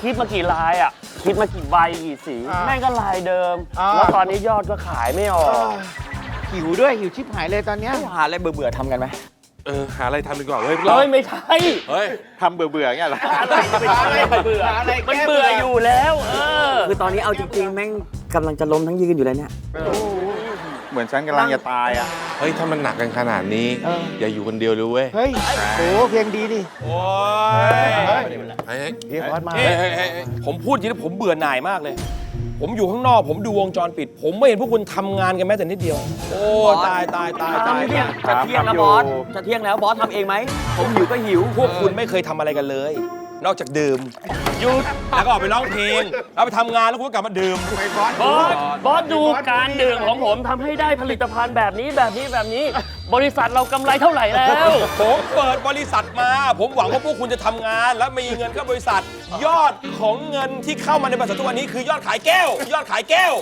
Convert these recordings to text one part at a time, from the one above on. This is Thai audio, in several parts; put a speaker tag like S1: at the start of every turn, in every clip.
S1: คิดมากี่ลายอ่ะคิดมากี่ใบกี่สีแม่งก็ลายเดิมแล้วตอนนี้ยอดก็ขายไม่ออก
S2: หิวด้วยหิวชิบหายเลยตอนเนี้ย
S3: หาอะไรเบื่อๆทำกันไหม
S4: หาอะไรทำดีกว่าเฮ้ย
S1: ไม่ใช่
S4: เฮ้ย
S2: ทำเบื่อๆเงี้ยเหรอ
S1: อะไรจะไปทำอะไรเบื่อมันเบื่ออยู่แล้ว
S3: คือตอนนี้เอาจริงๆแม่งกำลังจะล้มทั้งยืนอยู่เลยเนี่ย
S2: เหมือนฉันกำลังจะตายอ่ะ
S4: เฮ้ยถ้ามันหนักกันขนาดนี้อย่าอยู่คนเดียวเลยเว้ย
S2: เฮ้ยโอ้เพลงดีดิ
S4: โอ้ย
S2: เรียกวัดมา
S5: ผมพูดจริงๆผมเบื่อหน่ายมากเลยผมอยู่ข้างนอกผมดูวงจรปิดผมไม่เห็นพวกคุณทำงานกันแม้แต่นิดเดียวโอ้ตาย
S3: จะเที่ยงแล้วบอสจะเที่ยงแล้วบอสทำเองไหมผมหิวก็หิว
S5: พวกคุณไม่เคยทำอะไรกันเลยนอกจากดื่มหยุดแล้วก็ออกไปร้องเพลงแล้วไปทำงานแล้วคุณก็กลับมาดื่ม
S1: บอสดูการดื่มของผมทำให้ได้ผลิตภัณฑ์แบบนี้บริษัทเรากำไรเท่าไหร่แล้ว
S5: ผมเปิดบริษัทมาผมหวังว่าพวกคุณจะทำงานและมีเงินเข้าบริษัทยอดของเงินที่เข้ามาในบริษัททุกวันนี้คือยอดขายแก้วยอดขายแก้ว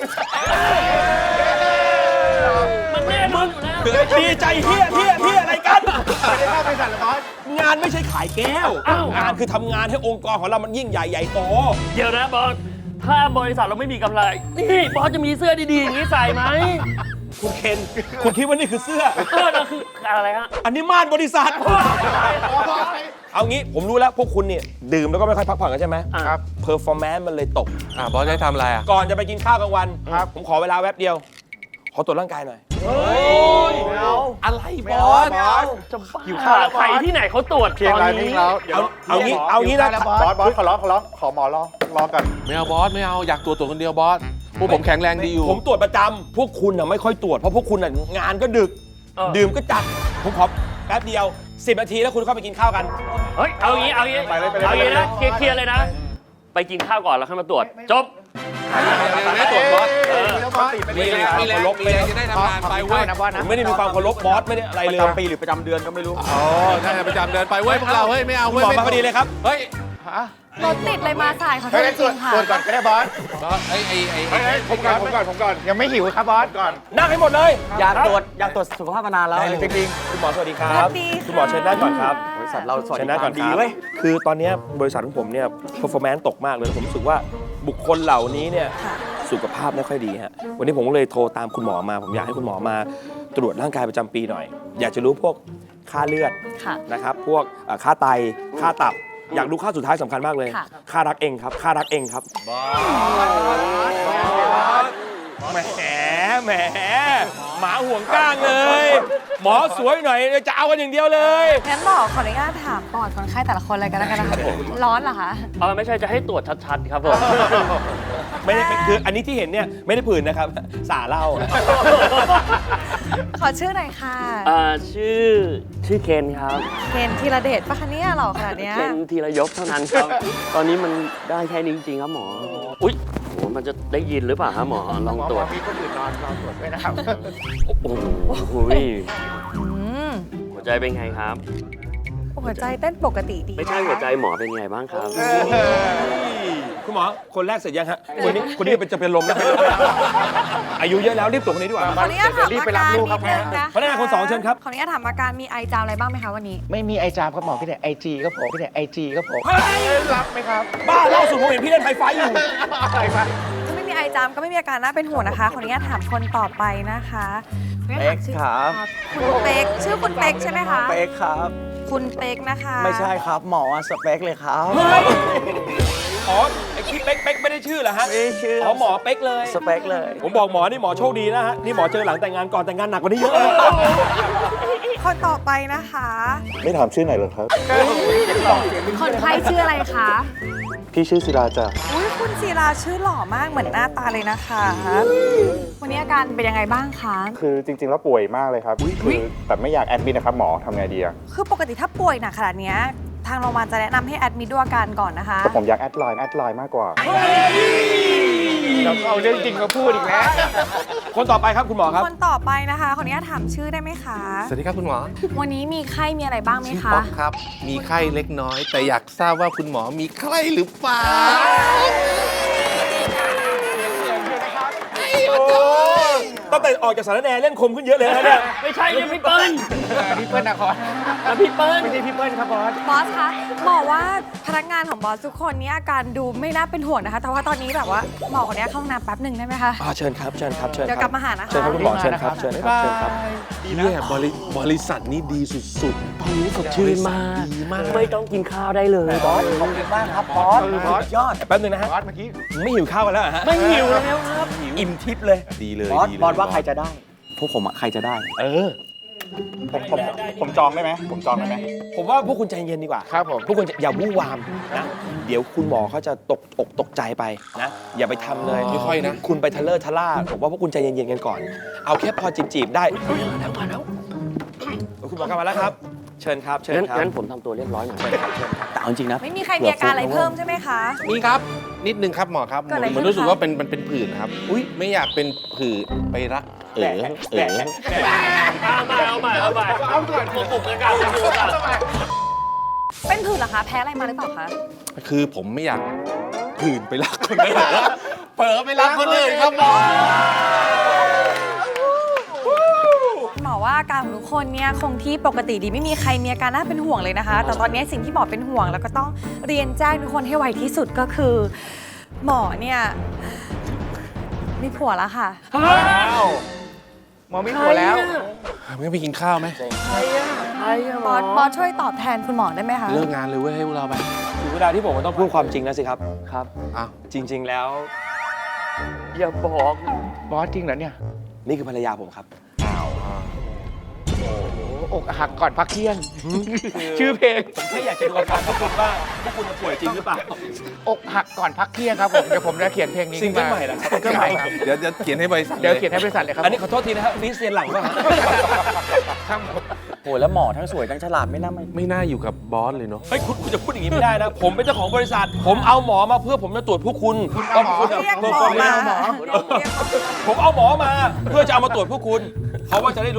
S1: มันแน่นอนอยู่แล้ว
S5: ดีใจเฮียอะไรกัน
S2: ไม่ได้เข้าบริษัทหรอบอส
S5: งานไม่ใช่ขายแก้วงานคือทำงานให้องค์กรของเรามันยิ่งใหญ่โต
S1: เดี๋ยวนะบอสถ้าบริษัทเราไม่มีกำไรนี่บอสจะมีเสื้อดีๆอย่างนี้ใส่ไหม
S5: คุณเคนคุณคิดว่านี่คือเสื้อ
S1: นั่นคืออะไรฮะ
S5: อันนี้ม่านบริษัทเอางี้ผมรู้แล้วพวกคุณเนี่ยดื่มแล้วก็ไม่ค่อยพักผ่อนกันใช่ไหม
S2: ครับ
S5: เพอร์ฟอร์แมนซ์มันเลยตก
S4: บอสได้ทำอะไร
S5: ก่อนจะไปกินข้าวกลางวันผมขอเวลาแวบเดียวขอตรวจร่างกายหน่อย
S1: อะไรบอสจะอยู่ข้าวใครที่ไหนเขาตรวจตอนนี้
S5: เอางี้นะ
S2: บอสขอร้องขอหมอรอกัน
S4: ไม่เอาบอสไม่เอาอยากตรวจคนเดียวบอสพวกผมแข็งแรงดีอยู่
S5: ผมตรวจประจำพวกคุณไม่ค่อยตรวจเพราะพวกคุณงานก็ดึกดื่มก็จัดผมขอแป๊บเดียว10 นาทีแล้วคุณเข้าไปกินข้าวกัน
S1: เฮ้ยเอางี้นะเคลียร์เลยนะไปกินข้าวก่อนแล้วค่อยมาตรวจจบ
S4: ไม่ตรวจบอสมีความเคารพเลยจะได้ทำงานไปเว้ย
S5: ผมไม่ได้มีความเคารพบอสไม่ได้อะไรเลย
S3: ประจำปีหรือประจำเดือนก็ไม่รู้
S4: ใช่ประจำเดือนไปเว้ยพวกเราเฮ้ยไม่เอาเว้ย
S5: บอกมาพอดีเลยครับ
S4: เฮ้ย
S6: รถติดเลยมาสายขอโทษจริงค่ะ
S2: ตรวจก่อนก็ได้บอสผมก่อนยังไม่หิวครับบอสก่อน
S5: นั่งให้หมดเลย
S3: อยากตรวจสุขภาพมานานแล้ว
S5: จริงๆคุณหมอสวัสดีครับคุณหมอเชิญนั่งก่อนครับ
S3: บริษัทเราสวัสดี
S5: ก่อนดีเว้ยคือตอนนี้บริษัทของผมเนี่ย performance ตกมากเลยผมรู้สึกว่าบุคคลเหล่านี้เนี่ยสุขภาพไม่ค่อยดีฮะวันนี้ผมก็เลยโทรตามคุณหมอมาผมอยากให้คุณหมอมาตรวจร่างกายประจำปีหน่อยอยากจะรู้พวกค่าเลือดนะครับพวกค่าไตค่าตับอยากรู้ค่าสุดท้ายสำคัญมากเลยค่ารักเองครับค่ารักเองครับแหมหมาห่วงก้างเลยหมอสวยหน่อยจะเอากันอย่างเดียวเลย
S6: งั้นหมอขออนุญาตถามปอดคนไข้แต่ละคนเลยกันแล้วกันนะคะร้อนเหรอคะ
S1: ไม่ใช่จะให้ตรวจชัดๆครับผม
S5: ไม่ได้คืออันนี้ที่เห็นเนี่ยไม่ได้ผื่นนะครับสาเล่า
S6: ขอชื่อหน่อยค่ะ
S1: ชื่อเคนครับ
S6: เคนธีรเดชปะคะเนี่ยหรอขนาดเนี้ย
S1: เคนธีรยศเท่านั้นครับตอนนี้มันได้แค่นี้จริงๆครับหมออุ๊ยโหมันจะได้ยินหรือเปล่าครับหมอลองตรวจ
S2: มีคนอื่นนอนตรวจด้วยนะครับ
S1: โอ้โหหัวใจเป็นไงครับ
S6: หัวใจเต้นปกติดี
S1: ไม่ใช่หัวใจหมอเป็นไงบ้างครับ
S5: คุณหมอคนแรกเสร็จยังฮะคนนี้จะเป็นลมแล้วอายุเยอะแล้วรีบตรวจคนนี้ดีกว่า
S6: ขออนุญาตถามอาการนิดนึงนะ
S5: พนักงานคน2เชิญครับ
S6: ขออนุญาตถามอาการมีไอจามอะไรบ้างไหมคะวันนี้
S2: ไม่มีไอจามครับหมอพี่แต่ไอจีก็โผล่พี่แต่ไอจีก็โผล่รับไหมครับ
S5: บ้าล่าสุดผมเห็นพี่เล่นไฟฟ้าอยู่
S6: ถ้าไม่มีไอจามก็ไม่มีอาการน่าเป็นห่วงนะคะขออนุญาตถามคนต่อไปนะคะ
S3: เป๊กครับ
S6: คุณเป๊กชื่อคุณเป๊กใช่ไหมคะ
S3: เป๊กครับ
S6: คุณเป๊กนะคะ
S3: ไม่ใช่ครับหมอสเปคเลยครับ
S5: อ๋อไอ้ที่เป๊กไม่ได้ชื่อเหรอฮะ
S3: ไม่ชื่อ
S5: หมอเป๊กเลย
S3: สเปคเลย
S5: ผมบอกหมอนี่หมอโชคดีนะฮะนี่หมอเจอหลังแต่งงานก่อนแต่งงานหนักกว่านี้เยอะ
S6: คนต่อไปนะคะ
S7: ไม่ถามชื่อไหนหรอครับ
S6: คนไข้ชื่ออะไรคะ
S7: พี่ชื่อศิลาจ้ะ
S6: อุ้ยคุณศิลาชื่อหล่อมากเหมือนหน้าตาเลยนะคะวันนี้อาการเป็นยังไงบ้างคะ
S7: คือจริงๆแล้วป่วยมากเลยครับคือแต่ไม่อยากแอดมิดนะครับหมอทำไงดีอะ
S6: คือปกติถ้าป่วยหนักขนาดนี้ทางโรงพยาบาลจะแนะนำให้แอดมิดดูอาการก่อนนะคะ
S7: ผมอยากแอดไลน์มากกว่า
S2: เราเอาเรื่องจริงมาพูดอีกแล้ว
S5: คนต่อไปครับคุณหมอครับ
S6: คนต่อไปนะคะขออนุญาตถามชื่อได้ไหมคะ
S4: สวัสดีครับคุณหมอ
S6: วันนี้มีไข้มีอะไรบ้างไหมคะ
S4: ป๊อกครับมีไข้เล็กน้อยแต่อยากทราบว่าคุณหมอมีไข้หรือเปล่า
S5: ตั้งแต่ออกจากสารแหน่เล่นคมขึ้นเยอะเลยนะเนี่ย
S1: ไม่ใช่ยังพี่เปิ้ล
S2: พี่เปิ้ลนะคร
S1: แล้วพี่เปิ้ล
S2: ไม่ใช่พี่เปิ้ลครับบอส
S6: บอสคะหมอว่าพนักงานของบอสทุกคนนี้อาการดูไม่น่าเป็นห่วงนะคะ แต่ว่าตอนนี้แบบว่าหมอคนนี้เข้าห้องน้ำแป๊บหนึ่งได้ไหมคะ
S5: เชิญครับเชิญครับเชิญ
S6: เดี๋ยวกลับมาหานะคะ
S5: เชิญครับคุณหมอเชิญครับเชิญครับเชิญครับ
S4: เนี่ยบริษัทนี้ดีสุด
S1: ตอนนี้สดชื่นมาก
S4: ดีมาก
S1: ไม่ต้องกินข้าวได้เลยบอส
S3: ขอบคุณมากครับบอสยอด
S5: แป๊บนึงนะฮะ
S2: บอสเมื่อกี้
S5: ไม่หิวข้าวกันแล้วเหรอฮะ
S1: ไม่หิวแล้วครับ
S5: อิ่มทิพย์เลย
S4: ดีเลย
S3: บอส
S4: ดีเลย
S3: บอสว่าใครจะได้ พวกผมอะใครจะได้
S7: ผมจองได้ไหมผมจองได้ไหม
S5: ผมว่าพวกคุณใจเย็นดีกว่า
S2: ครับผม
S5: พวกคุณอย่าวู่วามนะ เดี๋ยวคุณหมอเขาจะตกอกตกใจไปนะ อย่าไปทำเลย
S4: ค่อยๆนะ
S5: คุณไปทะเลอร์ทะล่าผมว่าพวกคุณใจเย็นๆกันก่อน เอาแค่พอจีบๆได้มาแล้วคุณหมอกลับมาแล้วครับ เชิญครับ เชิญครับ
S1: งั้นผมทำตัวเรียบร้อยหน่อย
S3: แต่เอาจริงนะ
S6: ไม่มีใครมีอาการอะไรเพิ่มใช่ไหมคะ
S4: นี่ครับ นิดนึงครับหมอครับ
S6: เกิดอะไร
S4: เหมือน
S6: ขึ้น
S4: รู้สึก
S6: คะ
S4: ว่ามันเป็นผื่นครับ อุ้ยไม่อยากเป็นผื่นไปรัก
S1: เอาใหม่เอาก่อนผมกระกาผมกระกา
S6: เป็นผื่นเหรอคะ แพ้อะไรมาหรือเปล่าคะ
S4: คือผมไม่อยากผื่นไปรักคนอื่นเผลอไปรักคนอื่นครับหมอ
S6: หมอว่าอาการของทุกคนเนี่ยคงที่ปกติดีไม่มีใครมีอาการน่าเป็นห่วงเลยนะคะ แต่ตอนนี้สิ่งที่หมอเป็นห่วงแล้วก็ต้องเรียนแจ้งทุกคนให้ไวที่สุดก็คือ หมอเนี่ยมีผัวแล้วค่ะ
S2: หมอมีหัวแล้ว
S4: ไม่ไปกินข้าวไหม
S6: บอสช่วยตอบแทนคุณหมอได้ไหมคะ
S4: เลิกงานเลยเว้ยให้พวกเราไป
S5: ถึงเวลาที่ผมต้องพูดความจริงแล้วสิครับ
S1: ครับ
S4: อ้าว
S5: จริง ๆ แล้ว
S1: อย่าบอก
S2: บอสจริงเหรอเนี่ย
S5: นี่คือภรรยาผมครับ
S2: อกหักก่อนพักเที่ยง ชื่อเพลง
S5: ผมแค่อยากจะดูอาการพวกคุณว่าพวกคุณป่วยจริงหรือเปล่า
S2: อกหักก่อนพักเที่ยงครับผม เดี๋ยวผมจะเขียนเพลงนี้
S5: ซิงเกิล
S2: ขึ้น
S5: ใหม่เหรอครับ
S2: ซิงเกิลใหม่ครับ
S4: เดี๋ยวจะเขียนให้บริษัท
S2: เดี๋ยวเขียนให้บริษัทเลยครับ
S5: อันนี้ขอโทษทีนะครับนี่เซียนหลังป่ะฮะ
S2: ครับผม
S3: โหแล้วหมอทั้งสวยทั้งฉลาดไม่น่าไม่
S4: ไม่น่าอยู่กับบอสเลยเนาะ
S5: เฮ้ยคุณจะพูดอย่างนี้ไม่ได้นะ ผมเป็นเจ้าของบริษัท ผมเอาหมอมาเพื่อผมจะตรวจพวกคุณ
S2: เอาหมอ
S5: คุณ
S6: เรียกหมอ
S5: เพอร์ฟอร์แม
S6: มาน
S5: ซ์
S6: เรียกหมอ
S5: ผมเอาหมอมาเพื่อจะเอามาตรวจพวกคุณเขาว่าจะได้รู้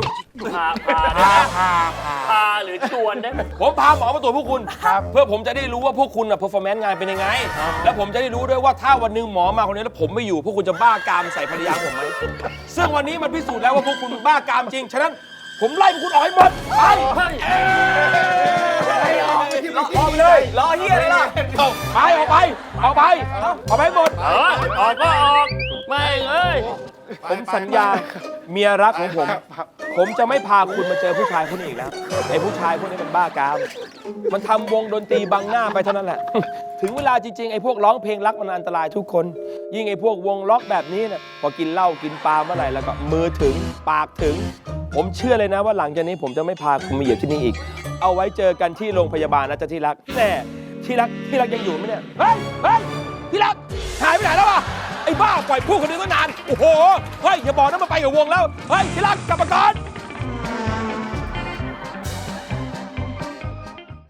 S1: พาหรือชวนได้ไหม
S5: ผมพาหมอมาตรวจพวกคุณเพื่อผมจะได้รู้ว่าพวกคุณเพอร์ฟอร์แมนซ์งานเป็นยังไง แล้วผมจะได้รู้ด้วยว่าถ้าวันหนึงหมอมาคนนี้แล้วผมไม่อยู่พวกคุณจะบ้ากามใส่ภรรยาผมไหมซึ่งวันนี้มันพิสูจน์แล้วว่าพวกคุณบ้ากามจริงฉะนั้นผมไล่พวกคุณออกให้หมดไปออกไปเลย
S3: รอเฮียเลยล่ะ
S5: ไปออกไปออกไปให้หมด
S1: ออกก็ออกไม่เอ้ย
S5: ผมสัญญาเมียรักของผม ผมจะไม่พาคุณมาเจอผู้ชายคนนี้อีกแล้วไอ้ผู้ชายพวกนี้มันบ้ากาม มันทำวงดนตรีบังหน้าไปเท่านั้นแหละ ถึงเวลาจริงๆไอ้พวกร้องเพลงรักมันอันตรายทุกคน ยิ่งไอ้พวกวงล็อกแบบนี้เนี่ยพอกินเหล้ากินปลาเมื่อไหร่แล้วก็มือถึงปากถึง ผมเชื่อเลยนะว่าหลังจากนี้ผมจะไม่พาคุณมาเหยียบที่นี่อีก เอาไว้เจอกันที่โรงพยาบาลนะจ๊ะที่รักแต่ที่รักยังอยู่ไหมเนี่ยเฮ้ยที่รักหายไปไหนแล้ววะไอ้บ้าปล่อยพูดคนอื่นตั้งนานโอ้โหเฮ้ยอย่าบอกนะมาไปกับวงแล้วเฮ้ยที่รักกลับมาก่อน